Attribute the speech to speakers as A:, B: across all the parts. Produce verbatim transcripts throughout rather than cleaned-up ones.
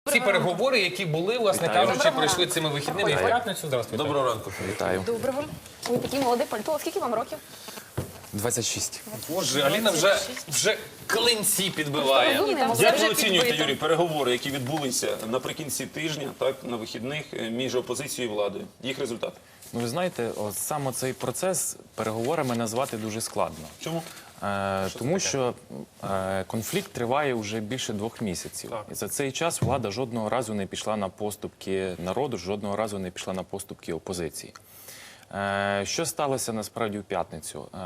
A: ці переговори, які були, власне кажучи, пройшли цими вихідними і в п'ятницю. Здравствуйте.
B: Доброго ранку.
C: Вітаю.
D: Доброго. Ви такий молодий політолог. Скільки вам років?
C: двадцять шість.
A: Боже, Аліна вже, вже клинці підбиває.
D: Розумний, молодий.
B: Як ви оцінюєте, Юрій, переговори, які відбулися наприкінці тижня, так, на вихідних, між опозицією і владою? Їх результат?
C: Ну, ви знаєте, от саме цей процес переговорами назвати дуже складно.
B: Чому?
C: Е, тому що е, конфлікт триває вже більше двох місяців. І за цей час влада жодного разу не пішла на поступки народу, жодного разу не пішла на поступки опозиції. Е, що сталося насправді в п'ятницю? Е,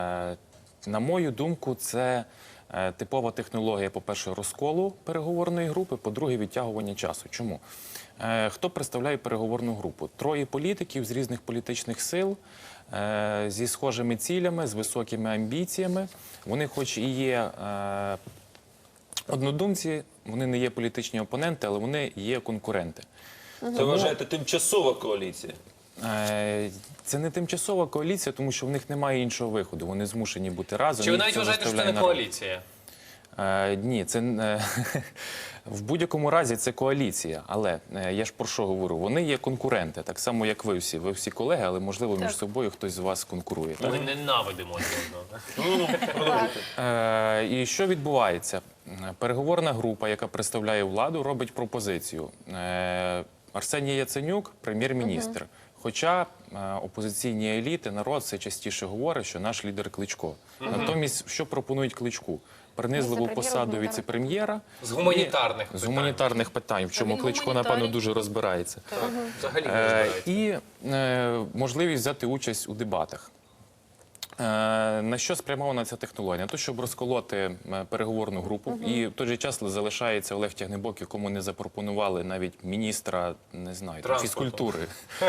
C: на мою думку, це е, типова технологія, по-перше, розколу переговорної групи, по-друге, відтягування часу. Чому? Е, хто представляє переговорну групу? Троє політиків з різних політичних сил, е, зі схожими цілями, з високими амбіціями. Вони хоч і є е, однодумці, вони не є політичні опоненти, але вони є конкуренти.
B: Це, вважаєте, тимчасова коаліція?
C: Е, Це не тимчасова коаліція, тому що в них немає іншого виходу. Вони змушені бути разом.
A: Чи ви
C: їх
A: навіть
C: це
A: вважаєте, що це
C: заставляє
A: не
C: народ.
A: коаліція?
C: Е, ні, це е, в будь-якому разі це коаліція. Але е, я ж про що говорю? Вони є конкуренти, так само як ви всі. Ви всі колеги, але можливо між собою хтось з вас конкурує. Так?
A: Ми ненавидимо один одного.
B: Ну, ну, продовжуйте.
C: Е, і що відбувається? Переговорна група, яка представляє владу, робить пропозицію. Е, Арсеній Яценюк – прем'єр-міністр. Хоча е, опозиційні еліти, народ все частіше говорить, що наш лідер Кличко. Натомість, що пропонують Кличку? Принизливу
D: Віце-прем'єр,
C: посаду
D: гуманітарний.
C: віце-прем'єра.
A: З гуманітарних
C: З
A: питань.
C: гуманітарних питань, в чому
E: він
C: Кличко,
E: гуманітарій.
C: напевно, дуже розбирається.
A: Взагалі не
C: Е,
A: розбирається.
C: і е, можливість взяти участь у дебатах. Е, на що спрямована ця технологія? На те, щоб розколоти е, переговорну групу. І в той же час залишається Олег Тягнебок, якому не запропонували навіть міністра, не знаю, там,
A: Транспорту.
C: фізкультури.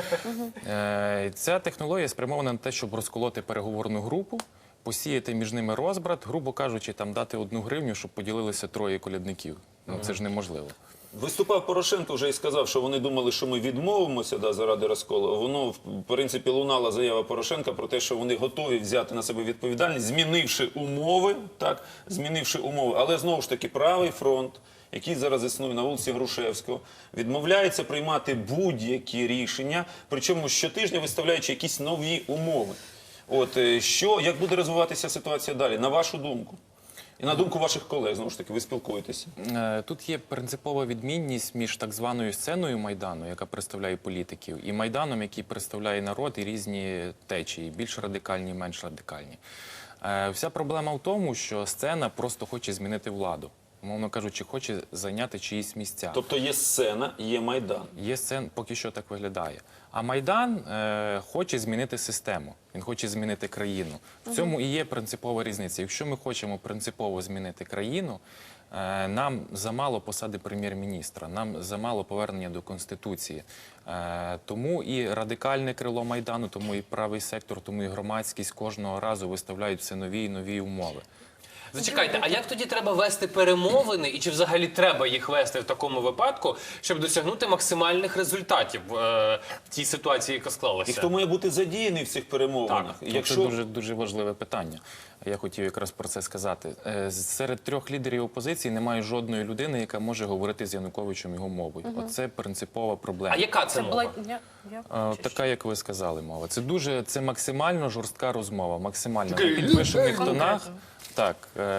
C: Е, ця технологія спрямована на те, щоб розколоти переговорну групу, посіяти між ними розбрат, грубо кажучи, там дати одну гривню, щоб поділилися троє колядників. Ну, це ж неможливо.
B: Виступав Порошенко вже і сказав, що вони думали, що ми відмовимося да, заради розколу. Воно, в принципі, лунала заява Порошенка про те, що вони готові взяти на себе відповідальність, змінивши умови, так, змінивши умови. Але, знову ж таки, правий фронт, який зараз існує на вулиці Грушевського, відмовляється приймати будь-які рішення, причому щотижня виставляючи якісь нові умови. От, е, що, як буде розвиватися ситуація далі, на вашу думку? І на думку ваших колег, знову ж таки, ви спілкуєтеся.
C: Е, Тут є принципова відмінність між так званою сценою Майдану, яка представляє політиків, і Майданом, який представляє народ і різні течії, більш радикальні, менш радикальні. Е, Вся проблема в тому, що сцена просто хоче змінити владу. Умовно кажучи, хоче зайняти чиїсь місця.
B: Тобто є сцена, є Майдан.
C: Є сцен, поки що так виглядає. А Майдан е, хоче змінити систему, він хоче змінити країну. В цьому і є принципова різниця. Якщо ми хочемо принципово змінити країну, е, нам замало посади прем'єр-міністра, нам замало повернення до Конституції. Е, тому і радикальне крило Майдану, тому і правий сектор, тому і громадськість кожного разу виставляють все нові і нові умови.
A: Зачекайте, а як тоді треба вести перемовини, і чи взагалі треба їх вести в такому випадку, щоб досягнути максимальних результатів е, в тій ситуації, яка склалася?
B: І хто має бути задіяний в цих перемовинах?
A: Так.
C: Якщо... Це дуже, дуже важливе питання. Я хотів якраз про це сказати. Е, Серед трьох лідерів опозиції немає жодної людини, яка може говорити з Януковичем його мовою. Оце принципова проблема.
A: А яка це мова?
E: Я, я...
C: Е, Така, як ви сказали, мова. Це дуже, це максимально жорстка розмова, максимально на підвищених тонах. Так,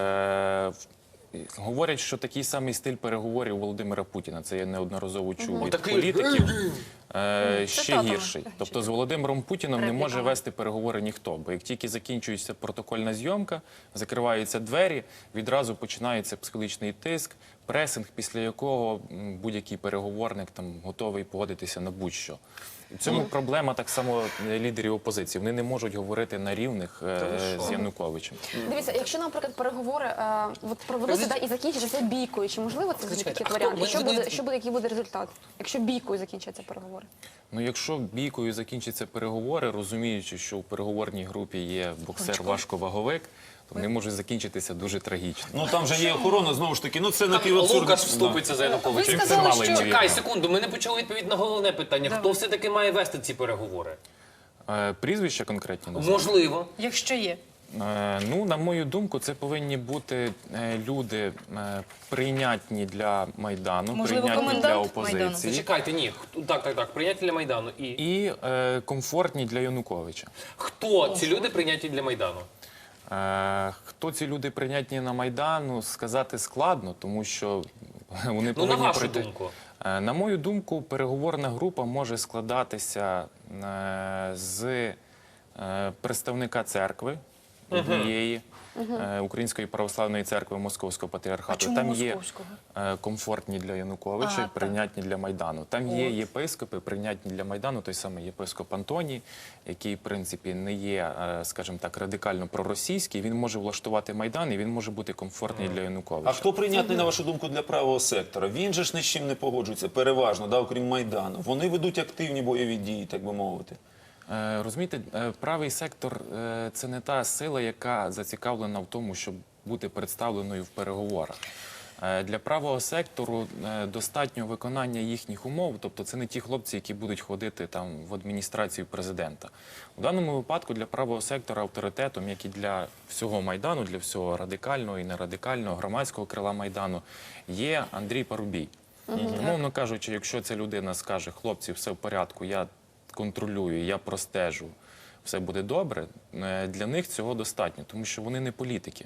C: е, говорять, що такий самий стиль переговорів Володимира Путіна. Це я неодноразово чув від
A: Такий-
C: політиків. Е, ще
D: Цитатами.
C: гірший. Тобто з Володимиром Путіном не може вести переговори ніхто. Бо як тільки закінчується протокольна зйомка, закриваються двері, відразу починається психологічний тиск, пресинг, після якого м, будь-який переговорник там готовий погодитися на будь-що. В цьому проблема так само лідерів опозиції. Вони не можуть говорити на рівних е, з Януковичем.
D: Дивіться, якщо, наприклад, переговори е, от проведуться да, і закінчаться бійкою, чи можливо це буде такий
A: а хто-
D: варіант? І
A: ми
D: що
A: ж не-
D: буде, що буде, який буде результат, якщо бійкою закінчаться переговори?
C: Ну, якщо бійкою закінчаться переговори, розуміючи, що у переговорній групі є боксер-важковаговик, то вони можуть закінчитися дуже трагічно.
B: Ну там же є охорона, знову ж таки, ну це
A: Там
B: напівабсурдно.
A: Лукаш вступиться за Януковича.
E: Ви
A: і все.
E: сказали,
C: мало
E: що-
C: ймовірно.
A: Чекай секунду, ми не почали відповідь на головне питання. Хто все-таки має вести ці переговори?
C: Е, Прізвища конкретні назвати?
A: Можливо.
E: Якщо є.
C: Е, Ну, на мою думку, це повинні бути е, люди е, прийнятні для Майдану,
E: Можливо,
C: прийнятні для
E: комендант Майдану?
C: опозиції
A: Зачекайте, ні. Хто- Так, так, так. Прийняті для Майдану. І
C: і е, комфортні для Януковича.
A: хто ці люди прийняті для Майдану?
C: Е, Хто ці люди прийнятні на Майдану, сказати складно, тому що вони
A: Ну, на
C: повинні
A: вашу
C: пройти.
A: думку.
C: Е, На мою думку, переговорна група може складатися е, з е, представника церкви однієї, е, Української православної церкви Московського патріархату.
E: А чому
C: Там є
E: Московського?
C: е, комфортні для Януковича,
E: А, так.
C: прийнятні для Майдану. Там є
E: От.
C: єпископи, прийнятні для Майдану, той самий єпископ Антоній, який, в принципі, не є, е, скажімо так, радикально проросійський. Він може влаштувати Майдан і він може бути комфортний для Януковича.
B: А хто прийнятний, на вашу думку, для правого сектора? Він же ж ні з чим не погоджується, переважно, да, окрім Майдану. Вони ведуть активні бойові дії, так би мовити.
C: Е, Розумієте, е, правий сектор е, – це не та сила, яка зацікавлена в тому, щоб бути представленою в переговорах. Е, Для правого сектору е, достатньо виконання їхніх умов, тобто це не ті хлопці, які будуть ходити там в адміністрацію президента. У даному випадку для правого сектора авторитетом, як і для всього Майдану, для всього радикального і нерадикального, громадського крила Майдану, є Андрій Парубій. Умовно кажучи, якщо ця людина скаже, хлопці, все в порядку, я контролюю, я простежу, все буде добре, е, для них цього достатньо, тому що вони не політики.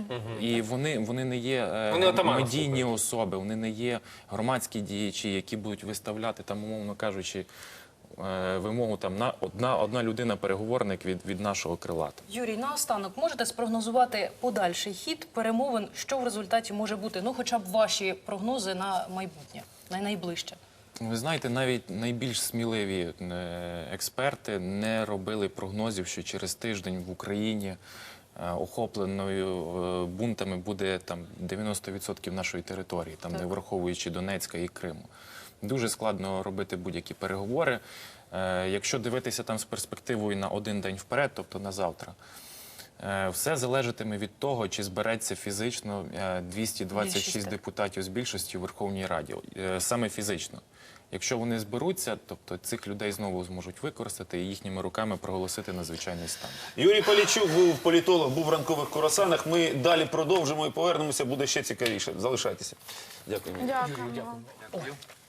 C: І вони, вони не є е,
A: Вони отамана
C: медійні
A: слухають.
C: особи, вони не є громадські діячі, які будуть виставляти, там, умовно кажучи, е, вимогу там, на одна, одна людина-переговорник від, від нашого крила.
E: Юрій, наостанок, можете спрогнозувати подальший хід перемовин, що в результаті може бути? Ну, хоча б ваші прогнози на майбутнє, на найближче.
C: Ви знаєте, навіть найбільш сміливі е, експерти не робили прогнозів, що через тиждень в Україні е, охопленою е, бунтами буде там дев'яносто відсотків нашої території, там не враховуючи Донецька і Криму. Дуже складно робити будь-які переговори. Е, Якщо дивитися там з перспективою на один день вперед, тобто на завтра, е, все залежатиме від того, чи збереться фізично е, двісті двадцять шість
E: Більшість, так.
C: депутатів з більшості у Верховній Раді. Е, Саме фізично. Якщо вони зберуться, тобто цих людей знову зможуть використати і їхніми руками проголосити надзвичайний стан.
B: Юрій Полічук був політолог, був в ранкових курасанах. Ми далі продовжимо і повернемося, буде ще цікавіше. Залишайтеся. Дякую.
D: Дякую.